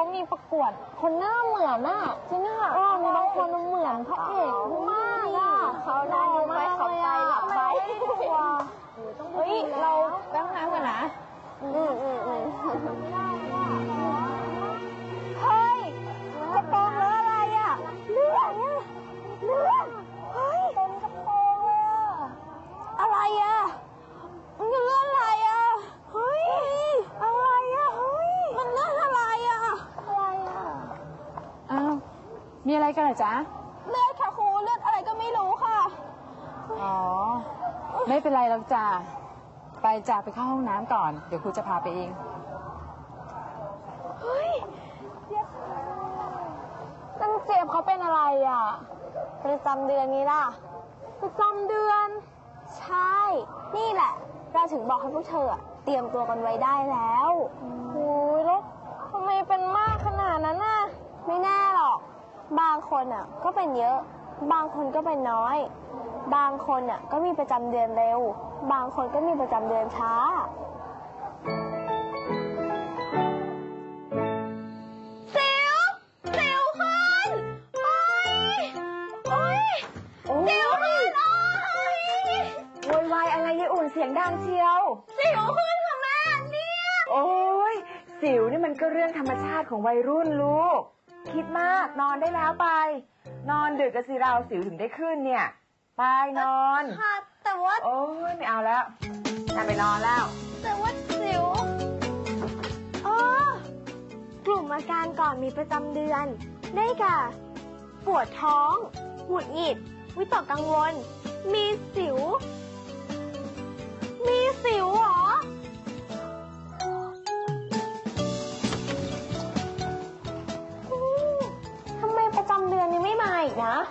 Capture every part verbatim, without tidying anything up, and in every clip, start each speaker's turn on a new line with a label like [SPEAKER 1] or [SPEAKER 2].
[SPEAKER 1] มีประกวดคนหน้าเหมือนน่ะจริงค่ะอ๋อมีบางคนเหมือนพระเอกมากอ่ะเขาได้ดูไหมเขาไปหลับไปเฮ้ยเราแป๊บน้ำกันนะอืมอืมอืมเฮ้ยกระโปรงแล้วอะไรอ่ะเลือดเนี่ยเลือดเฮ้ยเป็นกระโปรงเลยอ่ะอะไรอ่ะมันเลือดอะไรอ่ะเฮ้ยอะไรอ่ะเฮ้ยมันเลือดอะไรอ่ะอะไรอ่ะอ้าวมีอะไรกันเหรอจ๊ะเลือดค่ะครูเลือดอะไรก็ไม่รู้ค่ะอ๋อไม่เป็นไรหรอกจ้ะไปจ้ะไปเข้าห้องน้ำก่อนเดี๋ยวครูจะพาไปเองเฮ้ยตั้งเจี๊ยบเขาเป็นอะไรอ่ะประจำเดือนนี้ล่ะประจำเดือนใช่นี่แหละเราถึงบอกให้พวกเธอเตรียมตัวกันไว้ได้แล้วโอ้ยแล้วทำไมเป็นมากขนาดนั้นน่ะไม่แน่หรอกบางคนอ่ะก็เป็นเยอะบางคนก็เป็นน้อยบางคนอ่ะก็มีประจำเดือนเร็วบางคนก็มีประจำเดือนช้าสิวสิวขึ้นโอ้ยโอ้ยสิวขึ้นโอ้ยโวยวายอะไรยายอุ่นเสียงดังเชียวสิวขึ้นค่ะแม่เนี่ยโอ้ยสิวนี่มันก็เรื่องธรรมชาติของวัยรุ่นลูกคิดมากนอนได้แล้วไปนอนดึกกะสิเราสิวถึงได้ขึ้นเนี่ยไปนอนค่ะแต่ว่าโอ้ยไม่เอาแล้วน่าไปนอนแล้วแต่ว่าสิวอ๋อกลุ่มอาการก่อนมีประจำเดือนได้แก่ปวดท้องหงุดหงิดวิตกกังวลมีสิวมีสิวเหรอทำไมประจำเดือนยังไม่มาอีกนะ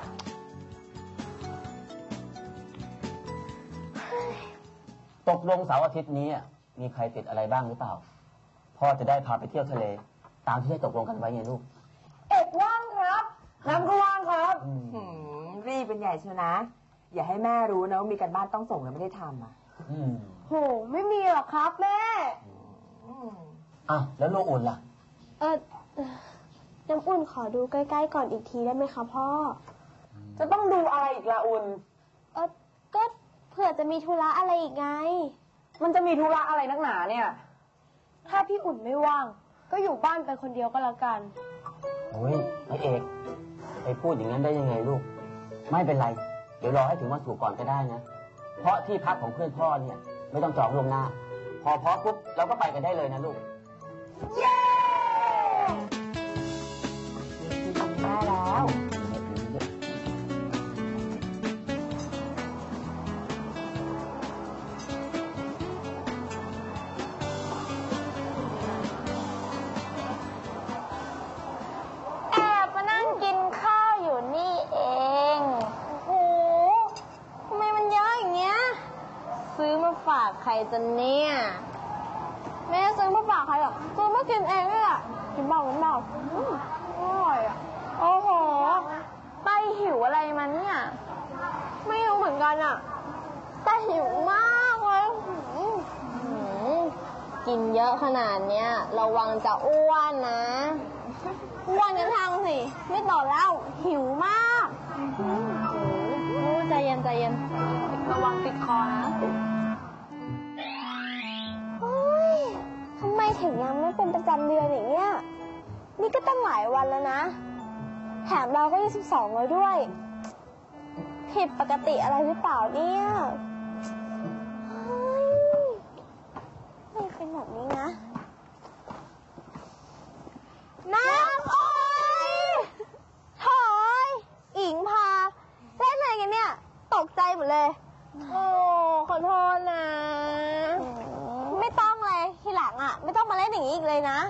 [SPEAKER 2] ตกลงเสาร์อาทิตย์นี้มีใครติดอะไรบ้างหรือเปล่าพ่อจะได้พาไปเที่ยวทะเลตามที่ได้ตกลงกันไว้ไงลูก
[SPEAKER 1] เอกว่างครับน้ำก็ว่างครับ
[SPEAKER 3] รีบเป็นใหญ่เชียวนะอย่าให้แม่รู้นะว่ามีการบ้านต้องส่งแล้วไม่ได้ทำอ่ะ
[SPEAKER 1] โหไม่มีหรอกครับแม่
[SPEAKER 2] อ้าวแล้วลูกอุ่นล่ะ
[SPEAKER 1] เออน้ำอุ่นขอดูใกล้ๆก่อนอีกทีได้ไหมคะพ่อ
[SPEAKER 3] จะต้องดูอะไรอีกล่ะอุ่น
[SPEAKER 1] เออก็เผื่อจะมีธุระอะไรอีกไง
[SPEAKER 3] มันจะมีธุระอะไรนักหนาเนี่ย
[SPEAKER 1] ถ้าพี่อุ่นไม่ว่างก็อยู่บ้านไปคนเดียวก็แล้วกัน
[SPEAKER 2] โอ้ยไอเอกไปพูดอย่างนั้นได้ยังไงลูกไม่เป็นไรเดี๋ยวรอให้ถึงวันศุกร์ก่อนก็ได้นะเพราะที่พักของเพื่อนพ่อเนี่ยไม่ต้องจองล่วงหน้าพอพร้อมปุ๊บเราก็ไปกันได้เลยนะลูก
[SPEAKER 1] เย้ได้แล้วฝากใครจะเนี่ยแม่ซื้อมาฝากใครหรอซื้อมากินเองนี่แหละกินเบากินเบาอร่อยอ่ะโอ้โหไปหิวอะไรมันเนี่ยไม่รู้เหมือนกันอ่ะแต่หิวมากเลยกินเยอะขนาดเนี้ยระวังจะอ้วนนะอ้วนกันทางสิไม่ต่อแล้วหิวมากใจเย็นใจเย็นระวังติดคอนะทำไมถึงยังไม่เป็นประจำเดือนอย่างเงี้ยนี่ก็ตั้งหลายวันแล้วนะแถมเราก็ยี่สิบสองแล้วด้วยผิดปกติอะไรหรือเปล่าเนี่ยไม่เป็นแบบนี้นะน้ำโอ๊ยถอยอิงพาเล่นอะไรกันเนี่ยตกใจหมดเลยโอ้ขอโทษนะไม่ต้องเลยทีหลังอ่ะไม่ต้องมาเล่นอย่างนี้อีกเลยนะ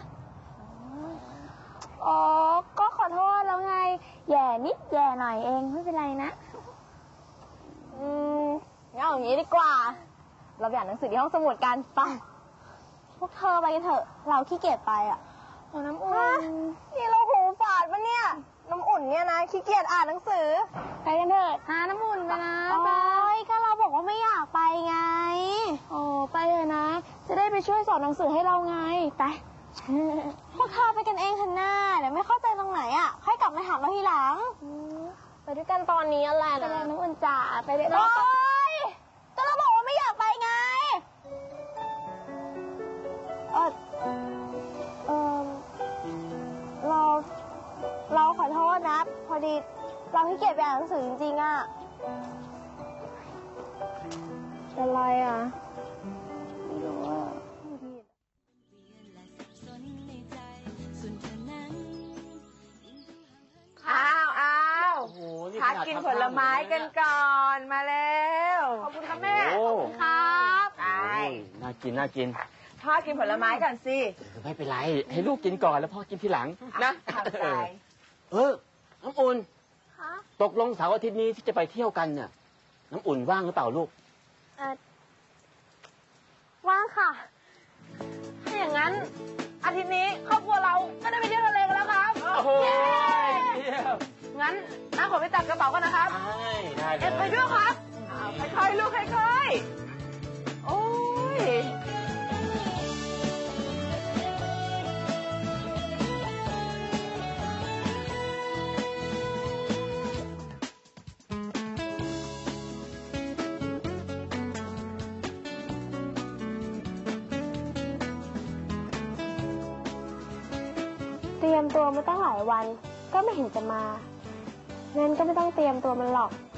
[SPEAKER 1] อ๋อก็ขอโทษแล้วไงแย่นิดแย่หน่อยเองไม่เป็นไรนะอืมงั้นเอาอย่างนี้ดีกว่าเราไปอ่านหนังสือที่ห้องสมุดกันไปพวกเธอไปกันเถอะเราขี้เกียจไปอ่ะโอ้น้ำอุ่นนี่เราหูฝาดปะเนี่ยน้ำอุ่นเนี่ยนะขี้เกียจอ่านหนังสือไปกันเถอะหาน้ำอุ่นไปนะไปก็เราบอกว่าไม่อยากไปไงโอ้ไปเลยนะจะได้ไปช่วยสอนหนังสือให้เราไงไปพวกเธอไปกันเองเถอะน้าเดี๋ยวไม่เข้าใจตรงไหนอ่ะค่อยกลับมาถามเราทีหลังไปด้วยกันตอนนี้อะไรนะไปเลยน้องอุ่นจ๋าไปเลยโอ๊ยก็เราบอกว่าไม่อยากไปไงเออเออเราเราขอโทษนะพอดีเราขี้เกียจไปอ่านหนังสือจริงๆอ่ะเป็นไรอ่ะไม่รู้อ่ะ
[SPEAKER 3] อ้าวอ้าว
[SPEAKER 2] โอ้โหนี่
[SPEAKER 3] พัก
[SPEAKER 2] ขนาด
[SPEAKER 3] กิน
[SPEAKER 2] ทำ
[SPEAKER 3] ผลไม้กันก่อนมาแล้ว ขอบคุณค่ะแม่
[SPEAKER 2] โอ้
[SPEAKER 3] ขอบคุณครับไป
[SPEAKER 2] โอ้ยน่ากินน่ากิน
[SPEAKER 3] พ่อกินผลไม้ก่อนสิ
[SPEAKER 2] ไม่เป็นไร ให้ลูกกินก่อนแล้วพ่อกินทีหลังนะ
[SPEAKER 3] ขอบใจ
[SPEAKER 2] เออน้ำอุ่น
[SPEAKER 1] คะ
[SPEAKER 2] ตกลงเสาร์อาทิตย์นี้ที่จะไปเที่ยวกันเนี่ยน้ำอุ่นว่างหรือเปล่าลูก
[SPEAKER 1] เออว่างค่ะ ถ้าอย่างนั้น อาทิตย์นี้ครอบครัวเราก็ได้ไปเที่ยวทะเลกันแล้วครับ
[SPEAKER 2] โอ้โห
[SPEAKER 1] เย้
[SPEAKER 2] เยี่ยม
[SPEAKER 1] งั้นน้าขอไปจัดกระเป๋ากันนะครับ
[SPEAKER 2] ได้ได้เล
[SPEAKER 1] เอ็
[SPEAKER 2] ย
[SPEAKER 1] ดไปด้วยครับ
[SPEAKER 3] เอาค่อยๆลูกค่อยๆ โอ้ย
[SPEAKER 1] เตรียมตัวมาตั้งหลายวัน ก็ไม่เห็นจะมางั้นก็ไม่ต้องเตรียมตัวมันหรอก